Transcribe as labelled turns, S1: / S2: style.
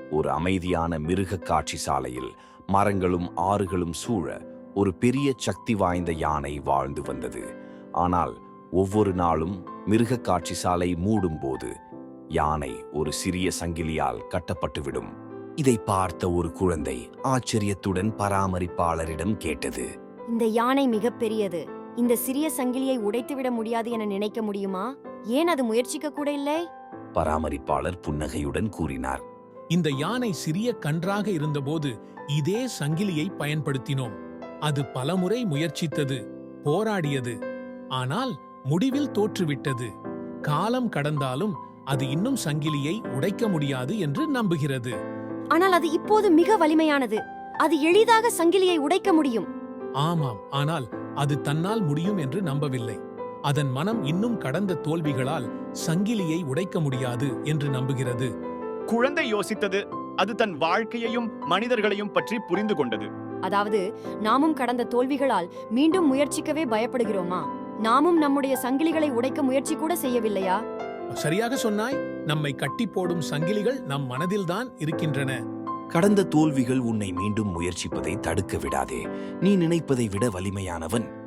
S1: ஒரு அமைதியான மிருக காட்சி சாலையில் மரங்களும் ஆறுகளும் சூழ ஒரு பெரிய சக்தி வாய்ந்த யானை வாழ்ந்து வந்தது. ஆனால் ஒவ்வொரு நாளும் மிருக காட்சி சாலை மூடும் போது யானை ஒரு சிறிய சங்கிலியால் கட்டப்பட்டுவிடும். இதை பார்த்த ஒரு குழந்தை ஆச்சரியத்துடன் பராமரிப்பாளரிடம் கேட்டது,
S2: இந்த யானை மிகப்பெரியது. இந்த சிறிய சங்கிலியை உடைத்துவிட முடியாது என நினைக்க முடியுமா? ஏன் அது முயற்சிக்க கூட இல்லை?
S1: பராமரிப்பாளர் புன்னகையுடன் கூறினார்,
S3: இந்த யானை சிறிய கன்றாக இருந்தபோது இதே சங்கிலியை பயன்படுத்தினோம். அது பலமுறை முயற்சித்தது, போராடியது. ஆனால் முடிவில் தோற்றுவிட்டது. காலம் கடந்தாலும் அது இன்னும் சங்கிலியை உடைக்க முடியாது என்று நம்புகிறது.
S2: ஆனால் அது இப்போது மிக வலிமையானது. அது எளிதாக சங்கிலியை உடைக்க முடியும்.
S3: ஆமாம், ஆனால் அது தன்னால் முடியும் என்று நம்பவில்லை. அதன் மனம் இன்னும் கடந்த தோல்விகளால் சங்கிலியை உடைக்க முடியாது என்று நம்புகிறது.
S4: குழந்தை யோசித்தது. அது தன் வாழ்க்கையையும் மனிதர்களையும் பற்றி புரிந்து கொண்டது.
S2: அதாவது நாமும் கடந்த தோல்விகளால் மீண்டும் முயற்சிக்கவே பயப்படுகிறோமா? நாமும் நம்முடைய சங்கிலிகளை உடைக்க முயற்சி கூட செய்யவில்லையா?
S3: சரியாக சொன்னாய். நம்மை கட்டி போடும் சங்கிலிகள் நம் மனதில்தான் இருக்கின்றன.
S1: கடந்த தோல்விகள் உன்னை மீண்டும் முயற்சிப்பதை தடுக்க விடாதே. நீ நினைப்பதை விட வலிமையானவன்.